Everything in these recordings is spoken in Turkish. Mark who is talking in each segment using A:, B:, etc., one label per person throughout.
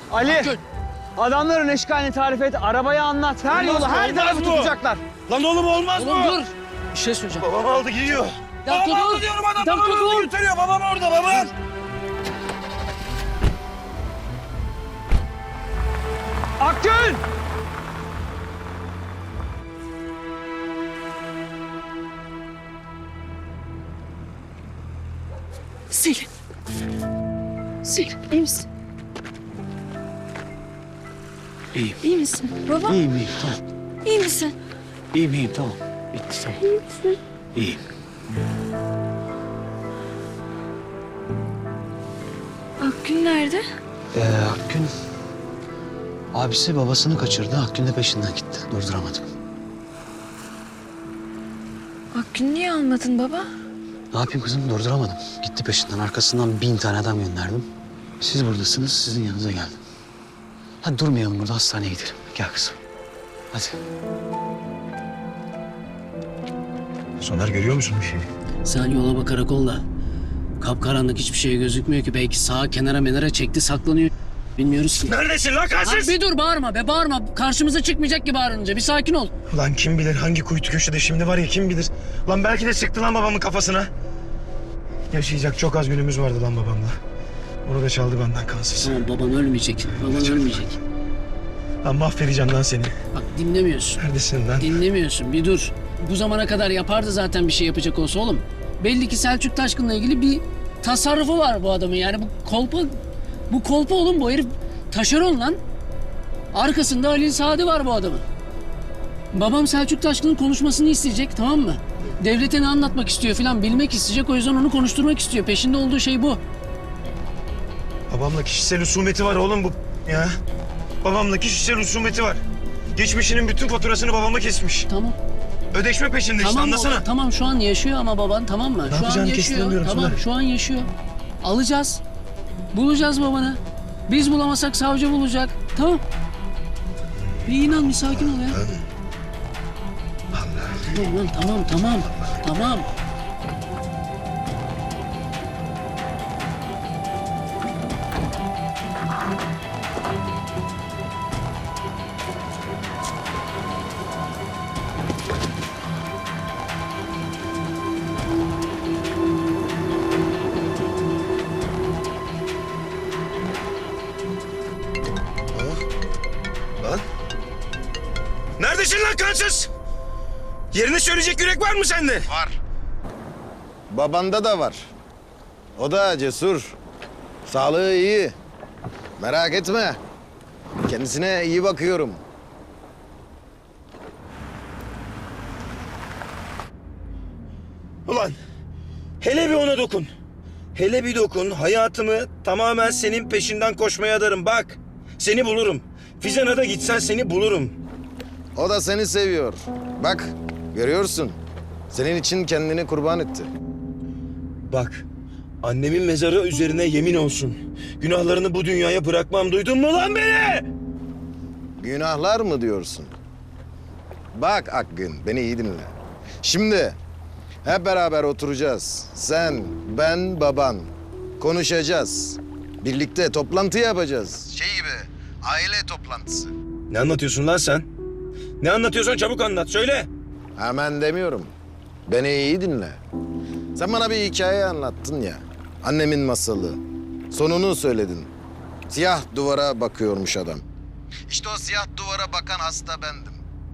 A: Ali,
B: Akgün.
A: adamların eşkalini tarif et, arabayı anlat. Her yolu, her tarafı tutacaklar.
C: Lan oğlum olmaz
B: Oğlum
C: mı?
B: dur. Bir şey söyleyeceğim.
C: Babam aldı gidiyor.
B: Bir dakika
C: Babam
B: dur.
C: aldı diyorum adam.
B: Bir dakika
C: Babam aldı
B: dur.
C: götürüyor. Babam orada babam.
A: Akgün!
D: Selin. Selin iyi misin?
E: İyiyim.
D: İyi misin? Baba
E: İyiyim tamam.
D: iyi misin?
E: İyiyim tamam. Bitti tamam.
D: İyi misin?
E: İyiyim.
D: Akgün nerede?
E: Akgün... Abisi babasını kaçırdı. Akgün de peşinden gitti. Durduramadım.
D: Akgün niye almadın baba?
E: Ne yapayım kızım? Durduramadım. Gitti peşinden. Arkasından 1000 tane adam gönderdim. Siz buradasınız. Sizin yanınıza geldim. Hadi durmayalım burada. Hastaneye gidelim. Gel kızım. Hadi.
C: Soner görüyor musun bir şey?
B: Sen yola bak karakolla. Kapkaranlık hiçbir şey gözükmüyor ki. Belki sağa kenara çekti saklanıyor. Bilmiyoruz ki.
C: Neredesin lan
B: Lan
C: kaçsız?
B: bir dur bağırma be bağırma. Karşımıza çıkmayacak gibi bağırınca. Bir sakin ol.
C: Lan kim bilir hangi kuytu köşede şimdi var ya kim bilir. Lan belki de sıktı lan babamın kafasına. Yaşayacak çok az günümüz vardı lan babamla. Onu da çaldı benden kansız.
B: Tamam baban ölmeyecek. Baban ölmeyecek.
C: Lan mahvedeceğim lan seni.
B: Bak dinlemiyorsun.
C: Neredesin lan?
B: Dinlemiyorsun. Bir dur. Bu zamana kadar yapardı zaten bir şey yapacak olsa oğlum. Belli ki Selçuk Taşkın'la ilgili bir tasarrufu var bu adamın. Yani bu kolpa oğlum bu herif taşeron lan. Arkasında Halil Saadi var bu adamın. Babam Selçuk Taşkın'ın konuşmasını isteyecek tamam mı? Devlete ne anlatmak istiyor falan bilmek isteyecek. O yüzden onu konuşturmak istiyor. Peşinde olduğu şey bu.
C: Babamla kişisel husumeti var oğlum bu ya. Babamla kişisel husumeti var. Geçmişinin bütün faturasını babama kesmiş.
B: Tamam.
C: Ödeşme peşinde işte
B: Tamam
C: anlasana.
B: baba, tamam şu an yaşıyor ama baban tamam mı? Şu an
C: yapacağını
B: yaşıyor.
C: kestiremiyorum
B: Tamam
C: Soner.
B: şu an yaşıyor. Alacağız. Bulacağız babanı. Biz bulamasak savcı bulacak. Tamam. Bir inan bir sakin ol ya. Tamam lan tamam.
C: Lan. Neredesin lan kansız? Yerini söyleyecek yürek var mı sende?
F: Var. Babanda da var. O da cesur. Sağlığı iyi. Merak etme. Kendisine iyi bakıyorum.
C: Ulan hele bir ona dokun. Hele bir dokun. Hayatımı tamamen senin peşinden koşmaya adarım. Bak seni bulurum. Fizan'a da gitsen seni bulurum.
F: O da seni seviyor. Bak, görüyorsun. Senin için kendini kurban etti.
C: Bak annemin mezarı üzerine yemin olsun. Günahlarını bu dünyaya bırakmam. Duydun mu lan beni?
F: Günahlar mı diyorsun? Bak Akgün, beni iyi dinle. Şimdi hep beraber oturacağız. Sen, ben, baban. Konuşacağız. Birlikte toplantı yapacağız. Şey gibi, aile toplantısı.
C: Ne anlatıyorsun lan sen? Ne anlatıyorsun çabuk anlat söyle.
F: Hemen demiyorum. Beni iyi dinle. Sen bana bir hikaye anlattın ya. Annemin masalı. Sonunu söyledin. Siyah duvara bakıyormuş adam. İşte o siyah duvara bakan hasta bendim.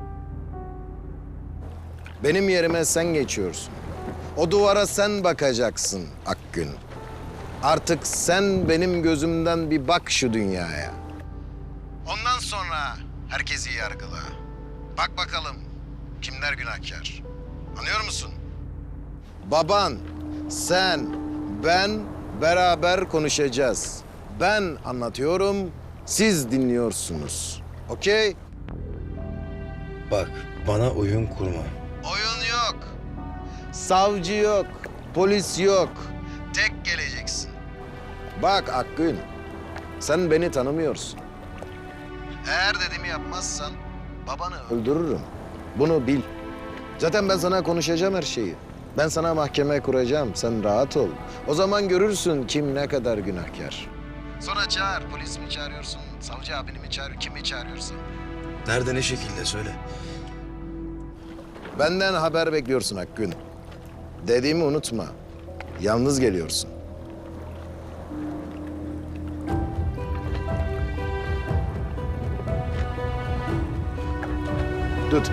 F: Benim yerime sen geçiyorsun. O duvara sen bakacaksın Akgün. Artık sen benim gözümden bir bak şu dünyaya. Ondan sonra herkesi yargıla. Bak bakalım kimler günahkar. Anlıyor musun? Baban, sen, ben beraber konuşacağız. Ben anlatıyorum, siz dinliyorsunuz. Okey?
C: Bak bana oyun kurma.
F: Oyun yok. Savcı yok. Polis yok. Tek geleceksin. Bak Akgün, sen beni tanımıyorsun. Eğer dediğimi yapmazsan babanı öldürürüm. Bunu bil. Zaten ben sana konuşacağım her şeyi. Ben sana mahkeme kuracağım. Sen rahat ol. O zaman görürsün kim ne kadar günahkar. Sonra çağır. Polis mi çağırıyorsun? Savcı abini mi çağırıyor? Kimi çağırıyorsun?
C: Nerede, ne şekilde söyle.
F: Benden haber bekliyorsun Akgün. Dediğimi unutma. Yalnız geliyorsun. Tut.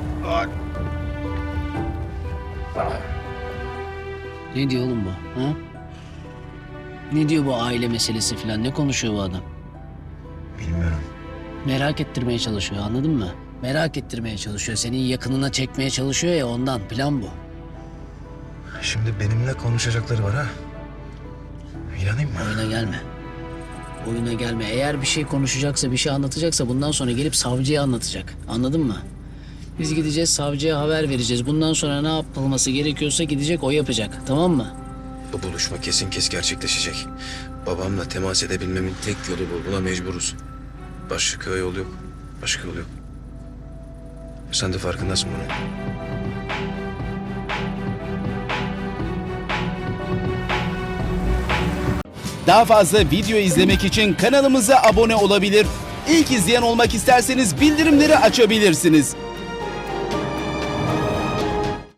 B: Ne diyor oğlum bu? Ha? Ne diyor bu aile meselesi falan? Ne konuşuyor bu adam?
C: Bilmiyorum.
B: Merak ettirmeye çalışıyor, anladın mı? Merak ettirmeye çalışıyor. Senin yakınına çekmeye çalışıyor ya, ondan. Plan bu.
C: Şimdi benimle konuşacakları var ha. İnanayım mı?
B: Oyuna gelme. Oyuna gelme. Eğer bir şey konuşacaksa, bir şey anlatacaksa bundan sonra gelip savcıya anlatacak. Anladın mı? Biz gideceğiz, savcıya haber vereceğiz. Bundan sonra ne yapılması gerekiyorsa gidecek, o yapacak. Tamam mı?
C: Bu buluşma kesin gerçekleşecek. Babamla temas edebilmemin tek yolu bu. Buna mecburuz. Başka yol yok. Başka yol yok. Sen de farkındasın bunun.
G: Daha fazla video izlemek için kanalımıza abone olabilir. İlk izleyen olmak isterseniz bildirimleri açabilirsiniz.